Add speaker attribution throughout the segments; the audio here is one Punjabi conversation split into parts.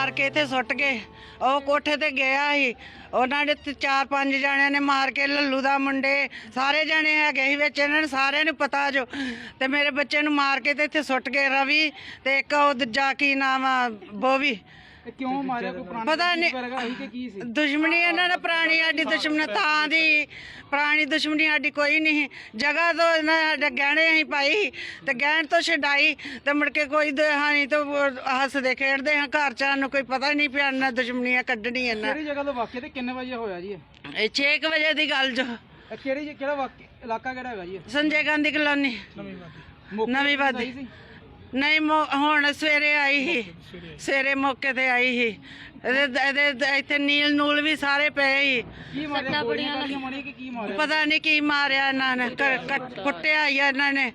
Speaker 1: ਮਾਰ ਕੇ ਇੱਥੇ ਸੁੱਟ ਗਏ। ਉਹ ਕੋਠੇ ਤੇ ਗਿਆ ਸੀ, ਉਹਨਾਂ ਨੇ 4-5 ਜਣਿਆਂ ਨੇ ਮਾਰ ਕੇ, ਲੱਲੂ ਦਾ ਮੁੰਡੇ ਸਾਰੇ ਜਣੇ ਹੈਗੇ ਸੀ ਵਿੱਚ, ਇਹਨਾਂ ਨੂੰ ਸਾਰਿਆਂ ਨੂੰ ਪਤਾ ਜੋ, ਤੇ ਮੇਰੇ ਬੱਚੇ ਨੂੰ ਮਾਰ ਕੇ ਤੇ ਇੱਥੇ ਸੁੱਟ ਗਏ ਰਵੀ ਤੇ ਇੱਕ ਉਹ ਦੂਜਾ ਕੀ ਨਾਮ ਆ ਬੋਵੀ।
Speaker 2: ਕਿਉਂ ਮਾਰਿਆ? ਕੋਈ ਪੁਰਾਣੀ
Speaker 1: ਪਤਾ ਨਹੀਂ,
Speaker 2: ਕੀ ਸੀ
Speaker 1: ਦੁਸ਼ਮਣੀ ਇਹਨਾਂ ਨਾਲ ਪੁਰਾਣੀ, ਸਾਡੀ ਦੁਸ਼ਮਣੀ ਤਾਂ ਦੀ ਪੁਰਾਣੀ ਦੁਸ਼ਮਣੀ ਸਾਡੀ ਕੋਈ ਨਹੀਂ। ਜਗ੍ਹਾ ਤੋਂ ਇਹਨਾਂ ਸਾਡੇ ਗਹਿਣੇ ਅਸੀਂ ਪਾਈ ਤੇ ਗਹਿਣ ਤੋਂ ਛਡਾਈ ਤੇ ਮੁੜ ਕੇ ਕੋਈ ਹਾਨੀ ਤੋਂ ਹੱਸਦੇ ਖੇਡਦੇ ਹਾਂ ਘਰ ਚ, ਸਾਨੂੰ ਕੋਈ ਪਤਾ ਨਹੀਂ ਪਿਆ ਇਹਨਾਂ ਦੁਸ਼ਮਣੀਆਂ ਕੱਢਣੀ ਇਹਨਾਂ।
Speaker 2: ਕਿਹੜੀ ਜਗ੍ਹਾ ਤੋਂ ਵਾਕਿਆ ਤੇ ਕਿੰਨੇ ਵਜੇ ਹੋਇਆ ਜੀ
Speaker 1: ਇਹ 6 ਵਜੇ ਦੀ ਗੱਲ ਜੋ।
Speaker 2: ਕਿਹੜਾ ਵਾਕਿਆ ਇਲਾਕਾ ਕਿਹੜਾ ਹੈਗਾ ਜੀ?
Speaker 1: ਸੰਜੇ ਗਾਂਧੀ ਕਲੋਨੀ ਨਵੀਂ ਬਾਦੀ। ਨਹੀਂ ਹੁਣ ਸਵੇਰੇ ਆਈ ਸੀ, ਸਵੇਰੇ ਮੌਕੇ ਤੇ ਆਈ ਸੀ। ਇਹਦੇ ਇੱਥੇ ਨੀਲ ਨੂਲ ਵੀ ਸਾਰੇ ਪਏ ਸੀ।
Speaker 2: ਕੀ ਮਾਰਿਆ? ਗੋਲੀਆਂ ਮਾਰੀਆਂ ਕਿ ਕੀ ਮਾਰਿਆ?
Speaker 1: ਪਤਾ ਨਹੀਂ ਕੀ ਮਾਰਿਆ ਇਹਨਾਂ ਨੇ, ਕੁੱਟਿਆ ਹੀ ਇਹਨਾਂ ਨੇ।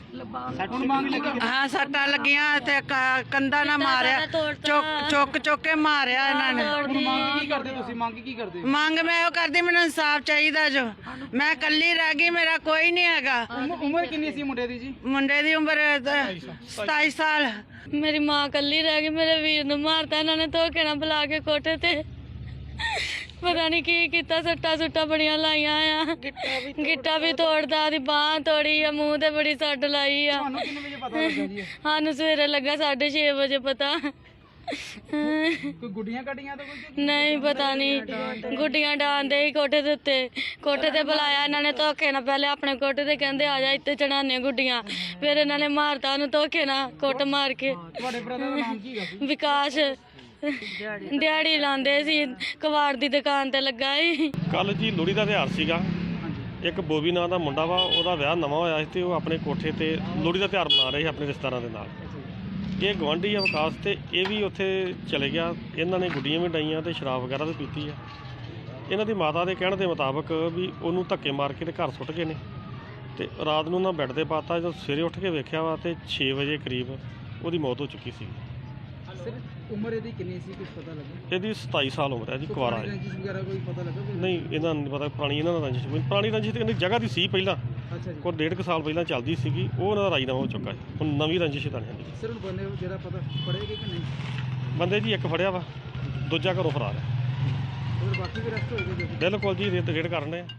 Speaker 1: ਹਾਂ ਸੱਟਾਂ ਲੱਗੀਆਂ ਤੇ ਕੰਧਾਂ ਨਾਲ ਮਾਰਿਆ, ਚੁੱਕ ਕੇ ਮਾਰਿਆ ਇਹਨਾਂ ਨੇ।
Speaker 2: ਮੰਗ ਕੀ ਕਰਦੇ ਤੁਸੀਂ? ਮੰਗ ਕੀ ਕਰਦੇ?
Speaker 1: ਮੰਗ ਮੈਂ ਉਹ ਕਰਦੀ, ਮੈਨੂੰ ਇਨਸਾਫ ਚਾਹੀਦਾ ਜੋ। ਮੈਂ ਇਕੱਲੀ ਰਹਿ ਗਈ, ਮੇਰਾ ਕੋਈ ਨਹੀਂ ਹੈਗਾ।
Speaker 2: ਉਮਰ ਕਿੰਨੀ ਸੀ ਮੁੰਡੇ ਦੀ ਜੀ?
Speaker 1: ਮੁੰਡੇ ਦੀ ਉਮਰ 27 ਸਾਲ।
Speaker 3: ਮੇਰੀ ਮਾਂ ਇਕੱਲੀ ਰਹਿ ਗਈ, ਮੇਰੇ ਵੀਰ ਨੂੰ ਮਾਰਤਾ ਇਹਨਾਂ ਨੇ ਧੋਖੇ ਨਾਲ ਬੁਲਾ ਕੇ ਕੋਠੇ ਤੇ। ਪਤਾ ਨਹੀਂ ਕੀ ਕੀਤਾ, ਸੱਟਾਂ ਸੁੱਟਾਂ ਬੜੀਆਂ ਲਾਈਆਂ ਆ, ਗਿੱਟਾ ਵੀ ਤੋੜਦਾ, ਉਹਦੀ ਬਾਂਹ ਤੋੜੀ ਆ, ਮੂੰਹ ਤੇ ਬੜੀ ਸੱਟ ਲਾਈ ਆ।
Speaker 2: ਤੁਹਾਨੂੰ ਕਿੰਨੇ ਵਜੇ ਪਤਾ ਲੱਗਾ ਜੀ?
Speaker 3: ਸਾਨੂੰ ਸਵੇਰੇ ਲੱਗਾ 6:30 ਵਜੇ ਪਤਾ।
Speaker 2: ਕੋਈ ਗੁੱਡੀਆਂ ਕੱਢੀਆਂ ਤਾਂ ਕੋਈ?
Speaker 3: ਨਹੀਂ ਪਤਾ ਨਹੀਂ, ਗੁੱਡੀਆਂ ਡਾਂਦੇ ਹੀ ਕੋਠੇ ਦੇ ਉੱਤੇ। ਕੋਠੇ ਤੇ ਬੁਲਾਇਆ ਇਹਨਾਂ ਨੇ ਧੋਖੇ ਨਾਲ, ਪਹਿਲੇ ਆਪਣੇ ਕੋਠੇ ਤੇ ਕਹਿੰਦੇ ਆ ਜਾ ਇੱਥੇ ਚੜਾਨੇ ਗੁੱਡੀਆਂ, ਫਿਰ ਇਹਨਾਂ ਨੇ ਮਾਰਤਾ ਉਹਨੂੰ ਧੋਖੇ ਨਾਲ, ਕੁੱਟ ਮਾਰ ਕੇ।
Speaker 2: ਤੁਹਾਡੇ ਬ੍ਰਦਰ ਦਾ ਨਾਮ ਕੀ ਹੈ?
Speaker 3: ਵਿਕਾਸ ਦਿਹਾੜੀ ਲਾਉਂਦੇ ਸੀ, ਕਬਾੜ ਦੀ ਦੁਕਾਨ ਤੇ ਲੱਗਾ ਸੀ।
Speaker 4: ਕੱਲ ਜੀ ਲੋਹੜੀ ਦਾ ਤਿਉਹਾਰ ਸੀਗਾ। ਇੱਕ ਬੋਬੀ ਨਾਂ ਦਾ ਮੁੰਡਾ ਵਾ, ਉਹਦਾ ਵਿਆਹ ਨਵਾਂ ਹੋਇਆ ਸੀ ਤੇ ਉਹ ਆਪਣੇ ਕੋਠੇ ਤੇ ਲੋਹੜੀ ਦਾ ਤਿਉਹਾਰ ਮਨਾ ਰਹੇ ਸੀ ਆਪਣੇ ਰਿਸ਼ਤੇਦਾਰਾਂ ਦੇ ਨਾਲ। ਇਹ ਗੁਆਂਢੀ ਆ ਵਿਕਾਸ, ਤੇ ਇਹ ਵੀ ਉੱਥੇ ਚਲੇ ਗਿਆ। ਇਹਨਾਂ ਨੇ ਗੁੱਡੀਆਂ ਵੀ ਡਾਈਆਂ ਤੇ ਸ਼ਰਾਬ ਵਗੈਰਾ ਵੀ ਪੀਤੀ ਆ। ਇਹਨਾਂ ਦੀ ਮਾਤਾ ਦੇ ਕਹਿਣ ਦੇ ਮੁਤਾਬਕ ਵੀ ਉਹਨੂੰ ਧੱਕੇ ਮਾਰ ਕੇ ਤੇ ਘਰ ਸੁੱਟ ਗਏ ਨੇ ਤੇ ਰਾਤ ਨੂੰ ਉਹਨਾਂ ਬੈੱਡ ਤੇ ਪਾਤਾ। ਜਦੋਂ ਸਵੇਰੇ ਉੱਠ ਕੇ ਵੇਖਿਆ ਵਾ ਤੇ 6 ਵਜੇ ਕਰੀਬ ਉਹਦੀ ਮੌਤ ਹੋ ਚੁੱਕੀ ਸੀ।
Speaker 2: ਉਮਰ ਇਹਦੀ ਕਿੰਨੀ ਸੀ, ਕੁਝ ਪਤਾ ਲੱਗਾ?
Speaker 4: ਇਹਦੀ 27 ਸਾਲ ਉਮਰ ਹੈ ਜੀ, ਕੁਆਰਾ ਹੈ।
Speaker 2: ਰੰਜਿਸ਼ ਵਗੈਰਾ ਕੋਈ ਪਤਾ ਲੱਗਾ?
Speaker 4: ਨਹੀਂ ਇਹਨਾਂ ਨੂੰ ਨਹੀਂ ਪਤਾ ਪੁਰਾਣੀ ਇਹਨਾਂ ਦਾ ਰੰਜਿਸ਼। ਪੁਰਾਣੀ ਰੰਜਿਸ਼ ਤੇ ਕਹਿੰਦੀ ਜਗ੍ਹਾ ਦੀ ਸੀ ਪਹਿਲਾਂ,
Speaker 2: ਅੱਛਾ ਜੀ।
Speaker 4: ਕੋਈ 1.5 ਸਾਲ ਪਹਿਲਾਂ ਚੱਲਦੀ ਸੀਗੀ, ਉਹ ਉਹਨਾਂ ਦਾ ਰਾਜੀਨਾਮਾ ਹੋ ਚੁੱਕਾ ਹੈ। ਹੁਣ ਨਵੀਂ ਰੰਜਿਸ਼ ਤਾਂ ਨਹੀਂ।
Speaker 2: ਸਰ ਹੁਣ ਬੰਦੇ ਜਿਹੜਾ ਪਤਾ ਫੜੇਗੇ ਕਿ ਨਹੀਂ?
Speaker 4: ਬੰਦੇ ਜੀ ਇੱਕ ਫੜਿਆ ਵਾ, ਦੂਜਾ ਘਰੋਂ ਫਰਾਰ ਹੈ।
Speaker 2: ਹੋਰ ਬਾਕੀ ਵੀ ਰੈਸਟ ਹੋਏਗੇ?
Speaker 4: ਬਿਲਕੁਲ ਜੀ, ਰੇਡ ਕਰਨ ਰਹੇ ਆ।